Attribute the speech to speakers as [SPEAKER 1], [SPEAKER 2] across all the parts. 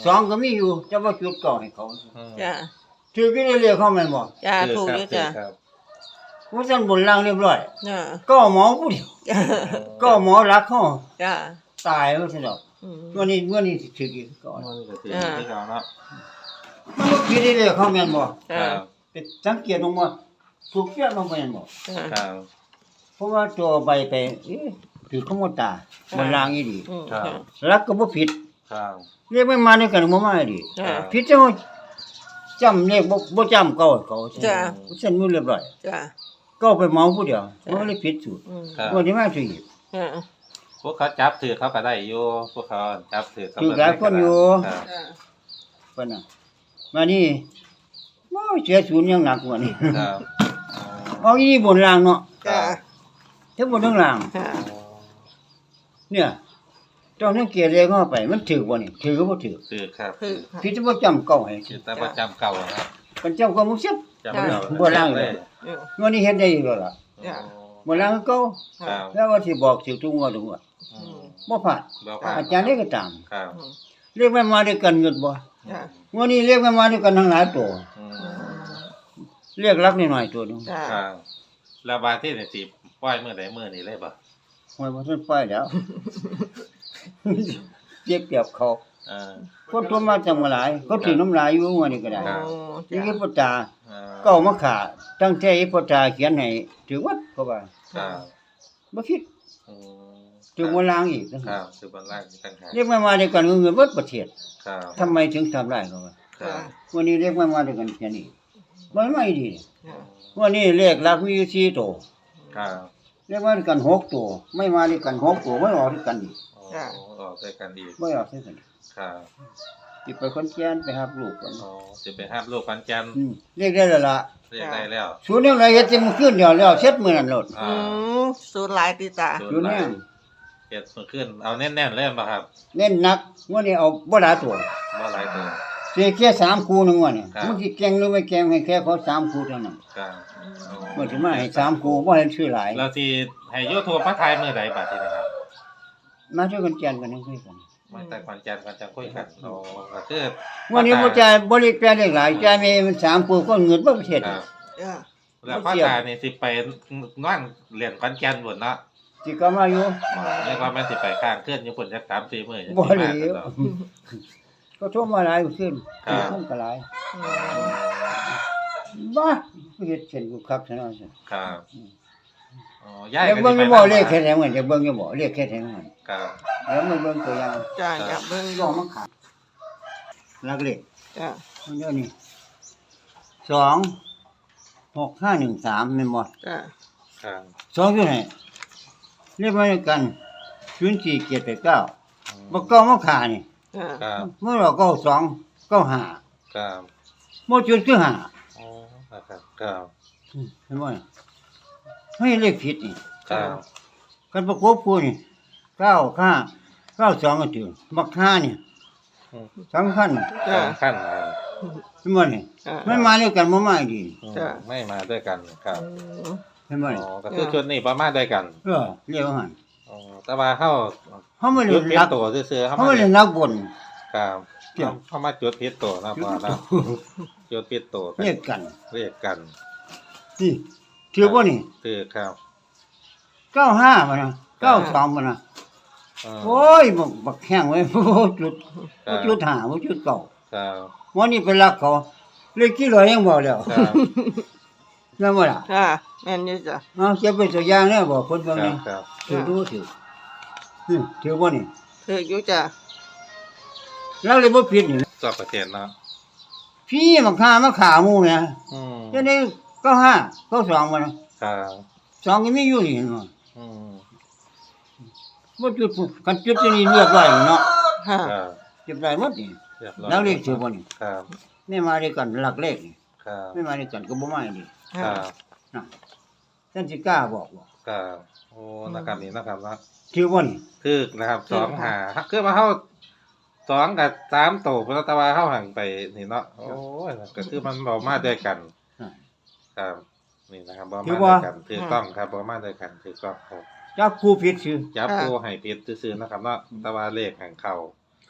[SPEAKER 1] สองก็มีอยู่จะว่าจุดเก่าให้เขา
[SPEAKER 2] จ้ะ
[SPEAKER 1] ถือกี่ได้เรียกเขาแม่นบ่
[SPEAKER 2] จ้ะถูกอยู่จ้ะ
[SPEAKER 1] ว่าซั่นบนล่างเรียบร้อย
[SPEAKER 2] จ้ะ
[SPEAKER 1] ก็หมอผู้เดียว
[SPEAKER 2] จ้ะ
[SPEAKER 1] ก็หมอรักเขา
[SPEAKER 2] จ้ะ
[SPEAKER 1] ตายแล้วซั่นดอก
[SPEAKER 2] อืม
[SPEAKER 1] วันนี้สิถืออีกก่อน
[SPEAKER 3] มันก็ถือที่เราเนาะ
[SPEAKER 1] มันบ่กี่ได้เรียกเขาแม่นบ่
[SPEAKER 2] จ้ะ
[SPEAKER 1] ไปสังเกตลงมาถูกเสียลงไปแม่นบ่
[SPEAKER 2] จ้ะ
[SPEAKER 3] ครับ
[SPEAKER 1] เพราะว่าตัวใบไปถือขโมยตาบนล่างอีดี
[SPEAKER 2] อืม
[SPEAKER 3] ครับ
[SPEAKER 2] จ้ะ
[SPEAKER 1] รักก็บ่ผิด
[SPEAKER 3] ครับ
[SPEAKER 1] เรียกไม่มาในกันบ่มาดี
[SPEAKER 2] จ้ะ
[SPEAKER 1] ผิดจังว่าจำเลขบ่จำเก่าเขา
[SPEAKER 2] จ้ะ
[SPEAKER 1] เส้นมือเรียบร้อย
[SPEAKER 2] จ้ะ
[SPEAKER 1] ก็ไปเมาผู้เดียวมันเลยผิดสูตร
[SPEAKER 2] อืม
[SPEAKER 3] ครับ
[SPEAKER 1] วันนี้มาสิอีก
[SPEAKER 2] จ้ะ
[SPEAKER 3] พวกเขาจับถือเขาก็ได้อยู่พวกเขาจับถือเขา
[SPEAKER 1] ถือหลายคนอยู่
[SPEAKER 3] ครับ
[SPEAKER 2] จ้ะ
[SPEAKER 1] เพิ่นน่ะมานี่บ่เสียศูนย์ยังหนักกว่านี้
[SPEAKER 3] ครับ
[SPEAKER 1] เอาอีนี่บนล่างเนาะ
[SPEAKER 2] จ้ะ
[SPEAKER 1] ทั้งบนทั้งล่าง
[SPEAKER 2] จ้ะ
[SPEAKER 1] เนี่ยต้องสังเกตเลขเข้าไปมันถือบ่นี่ถือก็บ่ถือ
[SPEAKER 3] ถือครับ
[SPEAKER 2] คือ
[SPEAKER 1] ผิดบ่จำเก่าให้
[SPEAKER 3] ถือแต่ประจำเก่าครับ
[SPEAKER 1] มันจำเก่าบ่เสีย
[SPEAKER 3] จำเก่า
[SPEAKER 1] บ่ล่างเลย
[SPEAKER 2] อืม
[SPEAKER 1] วันนี้เฮ็ดได้อีกแล้วล่ะ
[SPEAKER 2] จ้ะ
[SPEAKER 1] บ่ล่างก็เก่า
[SPEAKER 3] ครับ
[SPEAKER 1] แล้วว่าสิบอกสิทุกงวดทุกงวด
[SPEAKER 3] อืม
[SPEAKER 1] บ่ผ่าน
[SPEAKER 3] บ่ผ่าน
[SPEAKER 1] อาจารย์ได้ก็ตาม
[SPEAKER 3] ครับ
[SPEAKER 2] อืม
[SPEAKER 1] เรียกมันมาด้วยกันเงินบ่
[SPEAKER 2] จ้ะ
[SPEAKER 1] วันนี้เรียกมันมาด้วยกันทั้งหลายตัว
[SPEAKER 3] อืม
[SPEAKER 1] เรียกรักนิดหน่อยตัวหนึง
[SPEAKER 2] จ้ะ
[SPEAKER 3] ครับแล้วบาดที่นี่สิปล่อยมื้อใดมื้อนี้เลยบ่
[SPEAKER 1] หวยบ่ทันปล่อยแล้ว เจ็บเปรียบเขา
[SPEAKER 3] เออ
[SPEAKER 1] คนทั่วมาจังว่าหลายเขาถือน้ำลายอยู่ว่านี่ก็ได้
[SPEAKER 3] ครับ
[SPEAKER 2] โอ้
[SPEAKER 1] นี่
[SPEAKER 2] จ้ะ
[SPEAKER 1] คือปตา
[SPEAKER 3] เออ
[SPEAKER 1] ก็เอามาขาตั้งใจให้ปตาเขียนให้ถือวัดเขาว่า
[SPEAKER 3] ครับ
[SPEAKER 1] บ่คิด
[SPEAKER 3] อืม
[SPEAKER 1] ถือบ่ล้างอีก
[SPEAKER 3] ครับคือบนล่างต่างหาก
[SPEAKER 1] เรียกมันมาด้วยกันเงินเบิดประเทศ
[SPEAKER 3] ครับ
[SPEAKER 1] ทำไมถึงทำได้เขาว่า
[SPEAKER 3] ครับ
[SPEAKER 1] วันนี้เรียกมันมาด้วยกันแค่นี้มันไม่ดี
[SPEAKER 2] จ้ะ
[SPEAKER 1] วันนี้เรียกรักมีอยู่4ตัว
[SPEAKER 3] ครับ
[SPEAKER 1] เรียกมาด้วยกัน6ตัวไม่มาด้วยกัน6ตัวไม่ออกด้วยกันอีก
[SPEAKER 3] โอ้ออกด้วยกันอีก
[SPEAKER 1] ไม่ออกด้วยกัน
[SPEAKER 3] ครับ
[SPEAKER 1] สิไปคนแก่นไปหาลูกกัน
[SPEAKER 3] อ๋อจะไปห้ามลูกพันจันทร์
[SPEAKER 1] เรียกได้แล้วล่ะ
[SPEAKER 3] เรียกได้แล้ว
[SPEAKER 1] ศูนย์ยังไงเฮ็ดจังขึ้นเดียวแล้วเช็ดมื้อนั้นโลด
[SPEAKER 3] อ่า
[SPEAKER 2] อืมสูตรหลายติตา
[SPEAKER 1] อยู่แน่
[SPEAKER 3] เจ็ดมือขึ้น เอาแน่นๆเล่นป่ะครับ
[SPEAKER 1] เน้นหนักวันนี้เอาบ่หลายตัว
[SPEAKER 3] บ่หลายตัว
[SPEAKER 1] สิแค่3คู่นึงวันนี้
[SPEAKER 3] ครับ
[SPEAKER 1] มึงสิเก่งหรือไม่เก่งให้แค่เขา3คู่เท่านั้น
[SPEAKER 3] ครับอ๋อ
[SPEAKER 1] มันสิมาให้3คู่บ่ให้ชื่อหลาย
[SPEAKER 3] เราที่ให้ยูทูบพระไทยมือใดบัดนี้นะครับ
[SPEAKER 1] มาช่วยกันแจนกันนึงคุยกัน
[SPEAKER 3] มาแต่ควันจันทร์ควันจันทร์คุยกันโอ้ก็คือ
[SPEAKER 1] วันนี้บ่จ่ายบ่ได้แปลได้หลายจ่ายมีมัน3คู่ก็เงินบ่ประเทศ
[SPEAKER 3] ครับ
[SPEAKER 2] จ้ะ
[SPEAKER 3] แล้วพระตานี่สิไปนอนเรียนควันจันทร์บนเนาะ
[SPEAKER 1] สิก็มาอยู่
[SPEAKER 3] เรียกว่ามันสิไปข้างเคลื่อนอยู่บนจัก3-4มื้อ
[SPEAKER 1] บ่ได้
[SPEAKER 3] สิมาเนาะ
[SPEAKER 1] ก็โทรมาหลายขึ้น
[SPEAKER 3] ครับ
[SPEAKER 1] คนก็หลาย
[SPEAKER 2] อืม
[SPEAKER 1] บ้าเฮ็ดเช่นกูคักซะหน่อยสิ
[SPEAKER 3] ครับอ๋อย่าย
[SPEAKER 1] อยาก
[SPEAKER 3] ก็
[SPEAKER 1] เบิ่ง
[SPEAKER 3] สิ
[SPEAKER 1] อยู่
[SPEAKER 3] ไป
[SPEAKER 1] บ่
[SPEAKER 3] นำ
[SPEAKER 1] เลขแค่ไหนมันจะเบิ่งอยู่บ่เลขแค่ไหนมัน
[SPEAKER 3] ครับ
[SPEAKER 1] แล้วมันเบิ่งตัวอย่าง
[SPEAKER 2] จ้ะอยากเบิ่งอ
[SPEAKER 1] ก็
[SPEAKER 2] ยู่
[SPEAKER 1] มาขาดลักเลข
[SPEAKER 2] จ้ะ
[SPEAKER 1] มันเดี๋ยวนี้26513แม่นบ่
[SPEAKER 2] จ้ะ
[SPEAKER 3] ครับ
[SPEAKER 1] 2อยู่ไหนเรียกมาด้วยกัน04789บ่เก้ามาขานี่
[SPEAKER 2] จ้ะ
[SPEAKER 3] ครับ
[SPEAKER 1] เมื่อเรา9295
[SPEAKER 3] ครับ
[SPEAKER 1] บ่จุดคือ5
[SPEAKER 3] อ๋อนะครับครับ
[SPEAKER 1] เห็นบ่เนี่ยให้เลขผิดนี่
[SPEAKER 3] ครับ
[SPEAKER 1] กันประกบคู่นี่95 92ก็ถึงบัก5นี่
[SPEAKER 3] อืม
[SPEAKER 1] สำคัญ
[SPEAKER 2] จ้ะ
[SPEAKER 3] ขั้นครับ
[SPEAKER 1] เห็นบ่นี่
[SPEAKER 2] จ้ะ
[SPEAKER 1] มันมาด้วยกันบ่มาดี
[SPEAKER 2] จ้ะ
[SPEAKER 3] ไม่มาด้วยกันครับ
[SPEAKER 2] อืม
[SPEAKER 1] เห็นบ่นี่
[SPEAKER 3] อ๋อก็คือชุดนี้ประมาณด้วยกัน
[SPEAKER 1] เรียกว่าหั่น
[SPEAKER 3] อ๋อแต่ว่าเข้า
[SPEAKER 1] เฮาไม่ได้
[SPEAKER 3] จุดพิษ
[SPEAKER 1] รัก
[SPEAKER 3] ตัวซื่อๆ
[SPEAKER 1] เฮาไม่ได้รักบน
[SPEAKER 3] ครับ
[SPEAKER 1] เกี่ยว
[SPEAKER 3] เข้ามาจุดพิษตัวนะพอนะจุดพิษตัว
[SPEAKER 1] เรียกกัน
[SPEAKER 3] เรียกกัน
[SPEAKER 1] นี่ถือบ่นี่
[SPEAKER 3] คือครับ
[SPEAKER 1] 95บ่นะ92บ่นะ โอ้ยบักแห้งไว้บ่จุดบ่จุด5บ่จุดเก้า
[SPEAKER 3] ครับ
[SPEAKER 1] วันนี้ไปรักเขาเลยกี่ร้อยยังบ่แล้ว
[SPEAKER 3] ครับ
[SPEAKER 1] นั่นบ่ล่ะ
[SPEAKER 2] จ้ะแม่นอยู่จ้ะ
[SPEAKER 1] เอาเก็บเป็นตัวอย่างแน่บ่คนเบิ่ง
[SPEAKER 3] ครั
[SPEAKER 1] นี่
[SPEAKER 3] บครับ
[SPEAKER 1] ถือดูถือถือบ่นี่
[SPEAKER 2] ถืออยู่จ้ะ
[SPEAKER 1] แล้วเลยบ่ผิดนี่
[SPEAKER 3] สอบประเทศเนาะ
[SPEAKER 1] พี่มาฆ่ามาขาหมู่แหม
[SPEAKER 3] อืม
[SPEAKER 1] จังได๋95 92บ่นะครับ 2ก็มีอยู่นี่เนาะ
[SPEAKER 3] อืม
[SPEAKER 1] บ่จุดกันจุดนี่เรียบร้อยเนาะ
[SPEAKER 2] ค่ะ
[SPEAKER 3] ครับ
[SPEAKER 1] เรียบร้อยหมดนี่
[SPEAKER 3] เรียบร้อย
[SPEAKER 1] แล้วเลขถือบ่นี่
[SPEAKER 3] ครับ
[SPEAKER 1] ไม่มาด้วยกันหลักเลขนี่
[SPEAKER 3] ครับ
[SPEAKER 1] ไม่มาด้วยกันก็บ่มาดิ
[SPEAKER 3] ครั
[SPEAKER 2] ค่ะ
[SPEAKER 3] บ
[SPEAKER 1] นะท่านสิกล้าบอกบ่
[SPEAKER 3] ครับโอ้นะครับนี่นะครับเนาะ
[SPEAKER 1] ถือบ่นี่
[SPEAKER 3] คือนะครับ2 5คือมาเข้า2กับ3โตพระตะวาเข้าห่างไปนี่เนาะโอ้ยก็คือมันบ่มาด้วยกัน ครับนี่นะครับบ่มาด้วยกันถือกล้องครับบ่มาด้วยกันถือกล้องครับ
[SPEAKER 1] จับคู่ผิดซื่อ
[SPEAKER 3] ยับผู้ให้ผิดซื่อๆนะครับเนาะแต่ว่าเลขแห่งเขา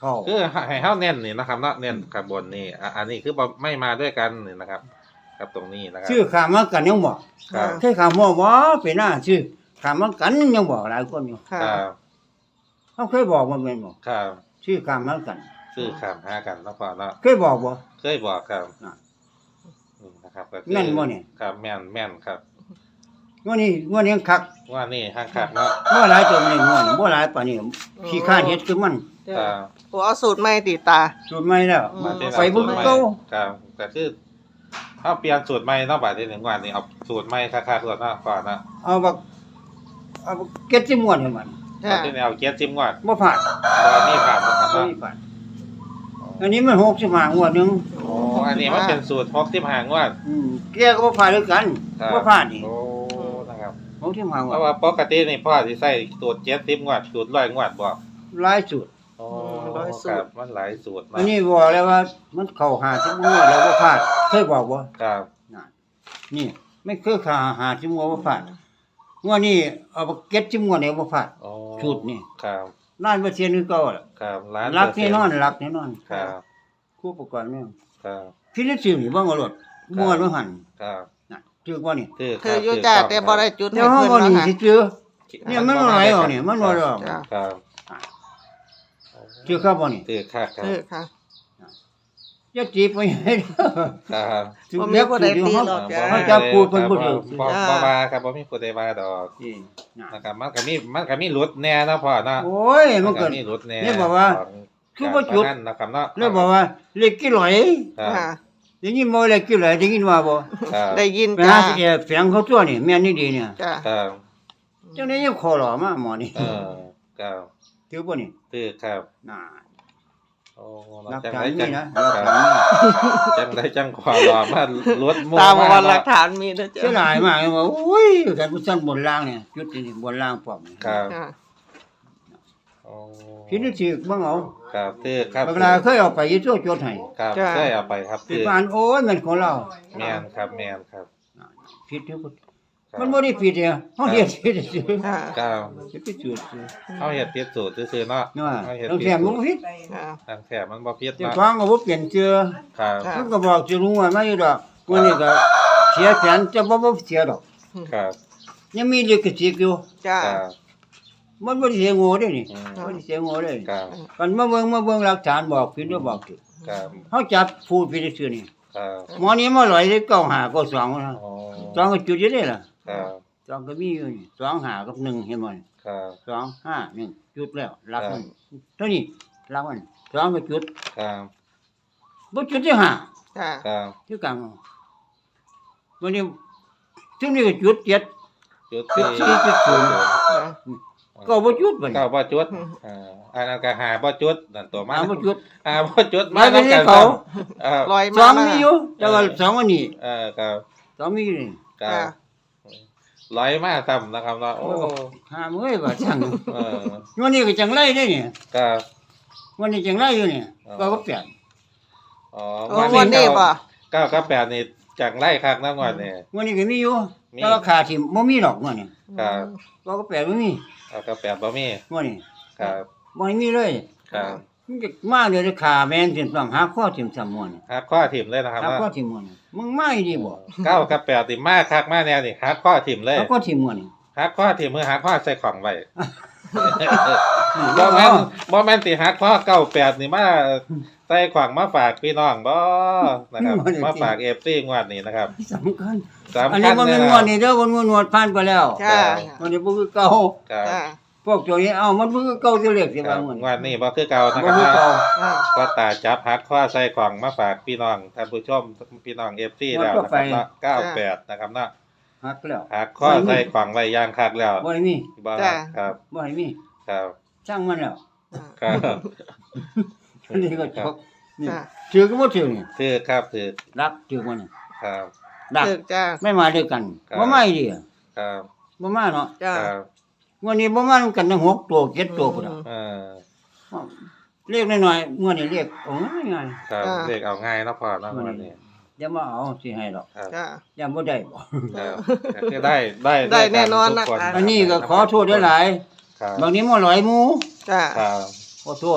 [SPEAKER 1] เข้า
[SPEAKER 3] คือให้เฮาเน้นนี่นะครับเนาะเน้นข้างบนนี่อันนี้คือบ่ไม่มาด้วยกันนี่นะครับครับตรงนี้นะครับ
[SPEAKER 1] ชื่อขามมากันยังบอก
[SPEAKER 3] ครับ
[SPEAKER 1] เคยขามบ่บ่เป็นหน้าชื่อขามมากันยังบอกหลายคนอยู่
[SPEAKER 2] ค่ะ
[SPEAKER 3] ครับ
[SPEAKER 1] เขาเคยบอกว่าแม่นบ่
[SPEAKER 3] ครับ
[SPEAKER 1] ชื่อขามมากัน
[SPEAKER 3] ซื้อข้ามหากันแล้วพอเนาะ
[SPEAKER 1] เคยบอกบ่
[SPEAKER 3] เคยบอกครับ
[SPEAKER 1] น่ะ
[SPEAKER 3] นี่นะครับก็คือ
[SPEAKER 1] แม่นบ่เนี่ย
[SPEAKER 3] ครับแม่นครับ
[SPEAKER 1] ว่านี่คัก
[SPEAKER 3] ว่านี่ห้างคักเนาะ
[SPEAKER 1] บ่หลายตัวนี่ง่วนบ่หลายปานนี้ขี้ข้านเฮ็ดคือมัน
[SPEAKER 2] จ้ะ
[SPEAKER 3] ครับ
[SPEAKER 2] โอ้เอาสูตรใหม่ติตา
[SPEAKER 1] สูตรใหม่แล้ว
[SPEAKER 2] อืม
[SPEAKER 1] ไปเบิ่งเก่า
[SPEAKER 3] ครับก็คือเอาเปลี่ยนสูตรใหม่เนาะบาดนี้1วันนี้เอาสูตรใหม่คักๆก่อนเนาะก่อนนะ
[SPEAKER 1] เอาบักเก็ดสิม่วนให้มัน
[SPEAKER 2] จ้ะ
[SPEAKER 3] เอาที่แนวเกียร์จิ้มก่อน
[SPEAKER 1] บ่ผ่าน
[SPEAKER 3] บ่มีผ่านบ่ครับ
[SPEAKER 1] บ่
[SPEAKER 3] เนาะ
[SPEAKER 1] มีผ่านอันนี้มัน65งวดหนึง
[SPEAKER 3] โอ้อันนี้มันเป็นสูตร65งวด
[SPEAKER 1] แกก็บ่ผ่านด้วยกัน
[SPEAKER 3] ครับ
[SPEAKER 1] บ่ผ่านนี่
[SPEAKER 3] โอ้นะครับ
[SPEAKER 1] 65ง
[SPEAKER 3] เพ
[SPEAKER 1] วด
[SPEAKER 3] ราะว่าปกตินี่พ่อสิใส่สูตร70งวดสูตร100งวดบ่
[SPEAKER 1] หลายสูตร
[SPEAKER 3] โอ้ครับมันหลายสูตร
[SPEAKER 1] อั
[SPEAKER 3] เนาะ
[SPEAKER 1] นนี้บอกแล้วว่ามันเข้า50งวดแล้วบ่ผ่านเคยบอกบ่
[SPEAKER 3] ครับ
[SPEAKER 1] นั่นนี่ไม่เคยขา50งวดบ่ผ่านงวดนี้เอาบักเก็ด10งวดเนี่ยบ่ผ่าน
[SPEAKER 3] โอ้
[SPEAKER 1] สูตรนี่
[SPEAKER 3] ครับ
[SPEAKER 1] ล้านเปอร์เซ็นต์คือเก่าล่ะ
[SPEAKER 3] ครับล้าน
[SPEAKER 1] รัก
[SPEAKER 3] เปอร์
[SPEAKER 1] แน่
[SPEAKER 3] เซ็น
[SPEAKER 1] นอน
[SPEAKER 3] ต์
[SPEAKER 1] รักแน่นอน
[SPEAKER 3] ครับ
[SPEAKER 1] คู่ประกอบเนี่ย
[SPEAKER 3] ครับ
[SPEAKER 1] พี่นิดสิวนี่เบิ่งเอารถม่วนบ่หัน
[SPEAKER 3] ครับ
[SPEAKER 1] น่ะถือบ่นี่
[SPEAKER 3] คือ
[SPEAKER 2] คืออยู่จ้ะแต่บ่ได้จุด
[SPEAKER 1] เดี๋ย
[SPEAKER 2] ให้
[SPEAKER 1] วเฮา
[SPEAKER 2] เพิ่น
[SPEAKER 1] บ่
[SPEAKER 2] เนาะ
[SPEAKER 1] นี่
[SPEAKER 2] ค่ะ
[SPEAKER 1] สิเจอเนี่ยมันบ่ไหลออกนี่มันบ่ได้ออก
[SPEAKER 2] จ้ะ
[SPEAKER 3] ครับ
[SPEAKER 1] ถือครับบ่นี่
[SPEAKER 3] คือคักครับ
[SPEAKER 2] คือค่ะ
[SPEAKER 1] อย่าจีบไปให้เด้อ
[SPEAKER 3] ครับ
[SPEAKER 1] ถือ
[SPEAKER 2] บ่มี
[SPEAKER 1] เล็ก
[SPEAKER 2] ผู้
[SPEAKER 1] ถื
[SPEAKER 2] ใด
[SPEAKER 1] ออยู่
[SPEAKER 2] ตี
[SPEAKER 1] เฮา
[SPEAKER 2] หรอก จ้ะ
[SPEAKER 1] เขาจะพูดเพิ่นบ่ถูก
[SPEAKER 3] บ่บ่ว่าครับบ่มีผู้ใดว่าดอก
[SPEAKER 1] นี่น่ะ
[SPEAKER 3] นะครับมันก็มีหลุดแน่เนาะพ่อเนาะ
[SPEAKER 1] โอ้ยมันก็
[SPEAKER 3] มีหลุดแน่
[SPEAKER 1] เนี่ยบอกว่า
[SPEAKER 3] ของ
[SPEAKER 1] คือบ่จุด
[SPEAKER 3] การพนันนะครับเนาะ
[SPEAKER 1] เลยบอกว่าเล็กกี่หลอย
[SPEAKER 3] ครับ
[SPEAKER 2] ค่ะ
[SPEAKER 1] ได้ยินบ่เล็กกี่หลอยได้ยินว่าบ่
[SPEAKER 3] ครับ
[SPEAKER 2] ได้ยิน
[SPEAKER 1] ไป
[SPEAKER 2] จ้ะ
[SPEAKER 1] หาสิแอบแฝงเขาตัวนี่แม่นนี่ดีเนี่ย
[SPEAKER 2] จ้ะ
[SPEAKER 3] ครับ
[SPEAKER 1] จังได๋ยังขอหล่อมาหมอนี่
[SPEAKER 3] ครับ
[SPEAKER 1] ถือบ่นี่
[SPEAKER 3] คือครับ
[SPEAKER 1] น่ะ
[SPEAKER 3] โอ้
[SPEAKER 1] หลัก
[SPEAKER 3] จัง
[SPEAKER 1] ฐาน
[SPEAKER 3] ได
[SPEAKER 1] นี่
[SPEAKER 3] จัง
[SPEAKER 1] นะ
[SPEAKER 3] ค
[SPEAKER 1] หลัก
[SPEAKER 3] รับ
[SPEAKER 1] ฐานนี่
[SPEAKER 3] จังไดจังความรอมาลดหมู่
[SPEAKER 2] ตามวันหลั
[SPEAKER 3] เนาะ
[SPEAKER 2] กฐานมีเด้อ
[SPEAKER 1] เสีย
[SPEAKER 2] จ้ะ
[SPEAKER 1] ดายมากเลยว่าโอ้ยกันผู้ซั่นบนล่างเนี่ยจุดนี่บนล่างพร้อมนี่
[SPEAKER 3] ครับ
[SPEAKER 2] ค่ะ
[SPEAKER 3] โอ้
[SPEAKER 1] พี่นี่สิเบิ่งเอา
[SPEAKER 3] ครับคือครับ
[SPEAKER 1] เวลาเคยเอาไปอยู่ตัวจดให้
[SPEAKER 3] ครับ
[SPEAKER 2] จ้ะ
[SPEAKER 3] เคยเอาไปครับ
[SPEAKER 1] สิ
[SPEAKER 3] คือ
[SPEAKER 1] ปานโอ้ยมันของเรา
[SPEAKER 3] แม่นครับแม่นครับ
[SPEAKER 1] ผิดอยู่บ่
[SPEAKER 3] ครับ
[SPEAKER 1] มันบ่ได้ผิดเนี่ยเฮาเฮ็ดผิดซื่อ
[SPEAKER 2] ค่ะ
[SPEAKER 3] ครับ
[SPEAKER 1] สิไปจุดซื่อ
[SPEAKER 3] เฮาเฮ็ดผิดสูตรซื่อๆเนาะ
[SPEAKER 1] เนาะ
[SPEAKER 3] เฮาเฮ็ด
[SPEAKER 1] ต้อง
[SPEAKER 3] ผิด
[SPEAKER 1] แถม
[SPEAKER 3] สู
[SPEAKER 1] บ่
[SPEAKER 3] ตร
[SPEAKER 1] ผิด
[SPEAKER 2] ค่ะ
[SPEAKER 3] ทางแถบมันบ่ผิด
[SPEAKER 1] เจ้า
[SPEAKER 3] เนาะ
[SPEAKER 1] ของก็บ่เปลี่ยนเชื่อ
[SPEAKER 3] ครับ
[SPEAKER 2] ค่ะ
[SPEAKER 1] มันก็บอกจะรู้ว่ามาอยู่ดอกวันนี้ก็เสียแสนจะบ่เสียดอก
[SPEAKER 3] ครับ
[SPEAKER 1] ยังมีลิขสิทธิ์อยู่
[SPEAKER 2] จ้ะ
[SPEAKER 3] ครับ
[SPEAKER 1] มันบ่ได้เสียโง่เด้นี่
[SPEAKER 3] อืม
[SPEAKER 1] บ่ได้เสียโง่เด้
[SPEAKER 3] ครับ
[SPEAKER 1] กันมาเบิ่งหลักฐานบอกผิดหรือบอกถูก
[SPEAKER 3] ครับ
[SPEAKER 1] เฮาจับผู้ผิดซื่อนี่
[SPEAKER 3] ครับ
[SPEAKER 1] หมอนี่มาลอยได้95ก็2นะ
[SPEAKER 3] โอ้
[SPEAKER 1] 2ก็จุดอยู่ได้ล่ะ
[SPEAKER 3] ครับ
[SPEAKER 1] 2ก็มีอยู่นี่2 5กับ1เห็นบ่นี่
[SPEAKER 3] ครับ
[SPEAKER 1] 2 5 1จุดแล้วหลักมันเท่านี้หลักมัน2ก็จุด
[SPEAKER 3] ครับ
[SPEAKER 1] บ่จุดที่5
[SPEAKER 2] จ้ะ
[SPEAKER 3] ครับ
[SPEAKER 1] ที่กลางวันนี้ถึงนี่ก็จุด7
[SPEAKER 3] จุดที่
[SPEAKER 1] จุดที่ศูนย์ ก็บ่จุดบัดนี้
[SPEAKER 3] เก้าบ่จุดอันนั้นก็หาบ่จุดนั่นตัวมัน
[SPEAKER 1] บ่จุด
[SPEAKER 3] หาบ่จุด
[SPEAKER 1] มาเป็น
[SPEAKER 3] นำกั
[SPEAKER 1] เขา
[SPEAKER 2] ลอย
[SPEAKER 1] ส
[SPEAKER 2] มา
[SPEAKER 1] อง
[SPEAKER 2] มา
[SPEAKER 1] มีอยู่แต่ว่าสองอันนี้
[SPEAKER 3] ครับ
[SPEAKER 1] สองมีอยู่นี่
[SPEAKER 3] ครั
[SPEAKER 2] ค่ะ
[SPEAKER 3] บร้อยมาซ้ำนะครับเนาะโอ้
[SPEAKER 1] หามื้อว่าจัง
[SPEAKER 3] เออ
[SPEAKER 1] วันนี้ก็จังไรได้นี่
[SPEAKER 3] ครับ
[SPEAKER 1] วันนี้จังไรอยู่นี่ก็เปลี่ยน
[SPEAKER 3] อ๋อ
[SPEAKER 2] โอ้วันนี้บ่
[SPEAKER 3] เก้ากับแปดนี่จังไล่คักนะงวดนี่
[SPEAKER 1] วันนี้ก็มีอยู่
[SPEAKER 3] มี
[SPEAKER 1] แต่ว่าขาดที่บ่มีดอกวันนี้
[SPEAKER 3] ครับ
[SPEAKER 1] ก็เปลี่ยนบ่มี
[SPEAKER 3] เอากับแปดบ่มี
[SPEAKER 1] วันนี้
[SPEAKER 3] ครับ
[SPEAKER 1] บ่มีเลย
[SPEAKER 3] ครับ
[SPEAKER 1] มันก็มาเดี๋ยวขาแม่นสิต้องหาข้อทิ่มซ้ำม่วน
[SPEAKER 3] หักข้อถิ่มเลยนะครับ
[SPEAKER 1] หาข้อ
[SPEAKER 3] เนาะ
[SPEAKER 1] ทิ่มม่วนมึงมาอีดีบ่
[SPEAKER 3] เก้ากับแปดนี่มาคักมาแน่นี่หักข้อถิ่มเลย
[SPEAKER 1] หาข้อทิ่มม่วนนี่
[SPEAKER 3] หักข้อถิ่มมือหักข้อใส่ของไว้ บ่แม่นบ่แม่นสิหักข้อเก้าแปดนี่มาใส่ขวางมาฝากพี่น้องบ่นะครับมาฝาก FC งวดนี้นะครับ
[SPEAKER 1] สำคัญ
[SPEAKER 3] สำ
[SPEAKER 1] อัน
[SPEAKER 3] คั
[SPEAKER 1] นี้
[SPEAKER 3] ญ
[SPEAKER 1] บ่
[SPEAKER 3] เล
[SPEAKER 1] แม่
[SPEAKER 3] ย
[SPEAKER 1] น
[SPEAKER 3] นะ
[SPEAKER 1] งวดนี่เด้อบ่แม่นงวดผ่านไปแล้ว
[SPEAKER 2] จ้ะ
[SPEAKER 1] วันนี้บ่คือเก่า
[SPEAKER 3] ครับ
[SPEAKER 2] จ้ะ
[SPEAKER 1] พวกตัวนี้เอามันบ่คือเก่าจะเรียกสิ
[SPEAKER 3] ครั
[SPEAKER 1] ว่า
[SPEAKER 3] บ
[SPEAKER 1] มัน
[SPEAKER 3] งวดนี้บ่คือเก่านะ
[SPEAKER 1] บ่
[SPEAKER 3] ครับ
[SPEAKER 1] คือเก่า
[SPEAKER 2] อ่า
[SPEAKER 3] ก็ตาจับหักข้อใส่ของมาฝากพี่น้องท่านผู้ชมพี่น้อง FC แล้วนะครับเนาะ98นะครับเนาะ
[SPEAKER 1] หักแล้ว
[SPEAKER 3] หักข้อใส่ของไว้อย่างคักแล้ว
[SPEAKER 1] บ่ให้มี
[SPEAKER 3] บ่
[SPEAKER 2] จ้ะ
[SPEAKER 3] ครับ
[SPEAKER 1] บ่ให้มี
[SPEAKER 3] ครับ
[SPEAKER 1] ช่างมันแล้ว
[SPEAKER 3] ครับ
[SPEAKER 1] อันนี้ก็จบนี่
[SPEAKER 2] จ้ะ
[SPEAKER 1] ถือก็บ่ถือนี่
[SPEAKER 3] คือครับคือ
[SPEAKER 1] รักถือมันนี่
[SPEAKER 3] ครับ
[SPEAKER 1] รัก
[SPEAKER 2] ถึกจ้ะ
[SPEAKER 1] ไม่มาด้วยกัน
[SPEAKER 3] ครับ
[SPEAKER 1] บ่มาอีดี
[SPEAKER 3] ครับ
[SPEAKER 1] บ่มาเนาะ
[SPEAKER 2] จ้ะ
[SPEAKER 3] ครับ
[SPEAKER 1] วันนี้บ่มานํกันทั้ง6ตัว7ตัวพุ่นน่ะ
[SPEAKER 3] เออ
[SPEAKER 1] เรียกน้อยๆงวดนี้เรียกโอ้ง่าย
[SPEAKER 3] ครับเด็กเอาง่ายเนาะพอเนาะงวดนี้
[SPEAKER 1] ๆอย่ามาเอาสิให้ดอก
[SPEAKER 3] ครับ
[SPEAKER 2] จ้ะ
[SPEAKER 1] อย่าบ่ได้บ่
[SPEAKER 3] ครับคือได้
[SPEAKER 2] ได้แน่นอน
[SPEAKER 3] ทุก
[SPEAKER 2] นะคะ
[SPEAKER 1] อันนี้ก็ขอโทษหลาย
[SPEAKER 3] ครับ
[SPEAKER 1] ๆบางนี้บ่หลอยหมู่
[SPEAKER 2] จ้ะ
[SPEAKER 3] ครับ
[SPEAKER 1] ขอโทษ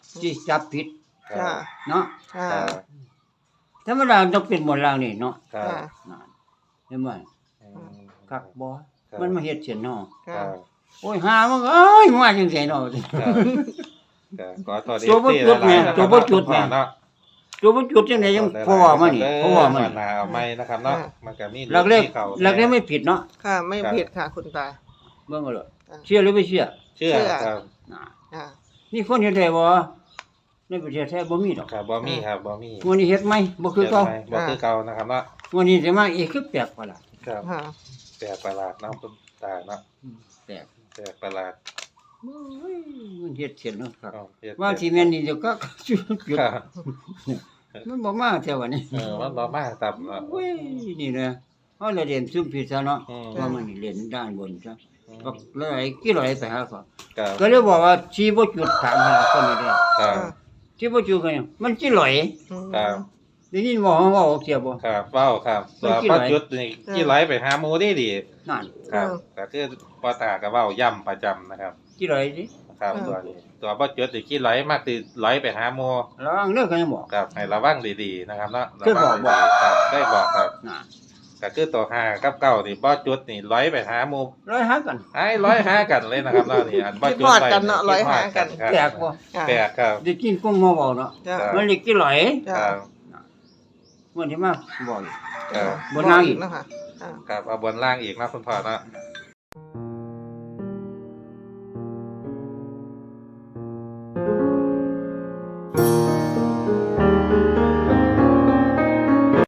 [SPEAKER 1] ที่จับผิด
[SPEAKER 3] ครั
[SPEAKER 2] จ้า
[SPEAKER 3] บ
[SPEAKER 1] เนาะ
[SPEAKER 2] จ้า
[SPEAKER 3] ครับ
[SPEAKER 1] ธรรมดาต้องเป็นบนล่างนี่เนาะ
[SPEAKER 3] ครับ
[SPEAKER 2] จ้า
[SPEAKER 1] นั่นเห็นไหม
[SPEAKER 3] อืม
[SPEAKER 1] คักบ่
[SPEAKER 3] ครับ
[SPEAKER 1] มันมาเฮ็ดเสียนเนาะ
[SPEAKER 3] ค
[SPEAKER 2] จ้า
[SPEAKER 3] รับ
[SPEAKER 1] โอ้ยหามันก็เอ้ยมาจังไสเนาะ
[SPEAKER 3] ครับครับขอตัว
[SPEAKER 1] ตัวบ่จุดแม่ตัวบ่จุดแม่
[SPEAKER 3] เนาะ
[SPEAKER 1] ตัวมันจุดจังไดยังเพราะว่ามันนี่เพราะว่ามัน
[SPEAKER 3] หนาเอาไม่นะครับเนาะมันก็มี
[SPEAKER 1] หลักเลข
[SPEAKER 3] มีเขา
[SPEAKER 1] หลักเลขไม่ผิดเนาะ
[SPEAKER 2] ค่ะไม่ผิดค่ะคุณตา
[SPEAKER 1] เบิ่งเอาเลย
[SPEAKER 2] อ่า
[SPEAKER 1] เชื่อหรือไม่เชื่อ
[SPEAKER 3] เชื่อ
[SPEAKER 2] เชื่อ
[SPEAKER 3] ครับ
[SPEAKER 1] น่ะ
[SPEAKER 2] จ้า
[SPEAKER 1] นี่คนเฮ็ดได้บ่ในประเทศไทยบ่มีดอก
[SPEAKER 3] ครับบ่มีครับบ่มี
[SPEAKER 1] วันนี้เฮ็ดไหมบ่คือเก่า
[SPEAKER 3] บ่คือเก่านะครับเนาะ
[SPEAKER 1] วันนี้สิมาอีกคือแปลกประหลาด
[SPEAKER 3] ครับ
[SPEAKER 2] ค่ะ
[SPEAKER 3] แปลกประหลาดเนาะคุณตาเนาะ
[SPEAKER 1] แปลก
[SPEAKER 3] แปลกประหลาด
[SPEAKER 1] โอ้ยมันเฮ็ดเสียนเนาะครับ
[SPEAKER 3] อ้าวเฮ็ด
[SPEAKER 1] ว่าสิแม่นนี่เดี๋ยวก็ จุด
[SPEAKER 3] ครับ
[SPEAKER 1] มันบ่มาแท้วันนี้
[SPEAKER 3] มันบ่มาตับเนาะ
[SPEAKER 1] โอ้ยนี่นะเฮาเลยเรียนซุ่มผิดซะเนาะ
[SPEAKER 3] อืม
[SPEAKER 1] ว่ามันนี่เรียนด้านบนซะก็เลยกี่ร้อยไปหาเขา
[SPEAKER 3] ครับ
[SPEAKER 1] ก็เลยบอกว่าชีบ่จุดถามหาคนนี้ได้
[SPEAKER 3] ครับ
[SPEAKER 1] ชีบ่จุดกันมันกี่ร้อย
[SPEAKER 3] ครับ
[SPEAKER 1] ได้ยินบ่ว่าเสียบ่
[SPEAKER 3] ครับเว้าครับตัว
[SPEAKER 1] มันกี่
[SPEAKER 3] ป้า
[SPEAKER 1] ไหล
[SPEAKER 3] จุดนี่กี่ไหลไปหาหมูได้ดี
[SPEAKER 1] นั่น
[SPEAKER 3] ครับก็คือป้าตาก็เว้าย่ำประจำนะครับ
[SPEAKER 1] กี่ร้อยสิ
[SPEAKER 3] ครับตัวนี้ตัวป้าจุดนี่กี่ไหลมากสิไหลไปหาหมู
[SPEAKER 1] ระวังเด้อกันยังบอก
[SPEAKER 3] ครับให้ระวังดีๆนะครับเนาะ
[SPEAKER 1] เคยบอก
[SPEAKER 3] ระวังดีๆครับได้บอกครับ
[SPEAKER 1] น่ะ
[SPEAKER 3] ก็คือตัว5กับ9นี่ป้าจุดนี่ไหลไปหาหมู
[SPEAKER 1] ร้อยหากัน
[SPEAKER 3] ไอ้ร้อยหากันเลยนะครับเนาะนี่อันป้าจุด
[SPEAKER 2] คิดฮอดกันเนาะ
[SPEAKER 3] ไว้
[SPEAKER 2] ร้อยหากัน
[SPEAKER 3] ครับ
[SPEAKER 1] แปลกบ่
[SPEAKER 2] จ้า
[SPEAKER 3] แปลกครับ
[SPEAKER 1] ได้กินกุ้งมาบอกเนาะ
[SPEAKER 2] จ้า
[SPEAKER 1] มันเรียกกี่ร้อย
[SPEAKER 3] ค
[SPEAKER 2] จ้า
[SPEAKER 3] รับ
[SPEAKER 1] มันที่มาบอกอยู่
[SPEAKER 3] ครับ
[SPEAKER 1] บนล่างอีก
[SPEAKER 2] นะคะอ่า
[SPEAKER 3] ครับเอาบนล่างอีกนะคุณพ่อเนาะ